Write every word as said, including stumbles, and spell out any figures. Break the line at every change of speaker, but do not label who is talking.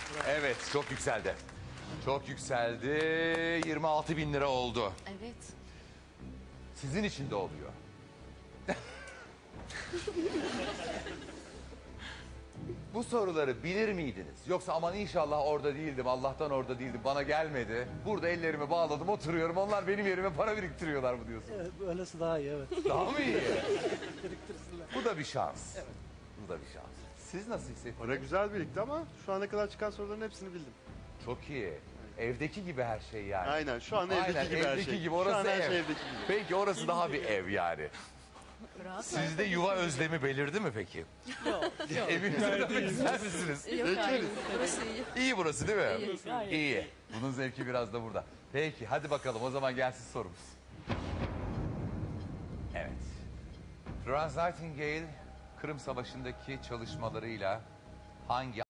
Evet, çok yükseldi. Çok yükseldi. yirmi altı bin lira oldu.
Evet.
Sizin için de oluyor. Bu soruları bilir miydiniz? Yoksa aman inşallah orada değildim, Allah'tan orada değildim, bana gelmedi. Burada ellerimi bağladım, oturuyorum. Onlar benim yerime para biriktiriyorlar mı diyorsun?
Evet, öylesi daha iyi, evet.
Daha mı iyi?
Biriktirsinler.
Bu da bir şans. Evet. Bu da bir şans. Siz nasıl hissettiniz?
Para güzel birikti ama şu ana kadar çıkan soruların hepsini bildim.
Çok iyi. Evdeki gibi her şey yani.
Aynen, şu an evdeki
Aynen,
gibi her
evdeki
şey.
gibi.
Şu
Orası
an her
ev.
şey evdeki gibi.
Peki orası daha bir ev yani.
Rahat
Sizde yuva özlemi belirdi mi peki?
Yok. Yok.
Evinize dönmek ister misiniz?
Yok hayır. Burası iyi.
İyi burası değil mi?
İyi, gayet
İyi. Bunun zevki biraz da burada. Peki hadi bakalım o zaman gelsin sorumuz. Evet. Florence Nightingale Kırım Savaşı'ndaki çalışmalarıyla hangi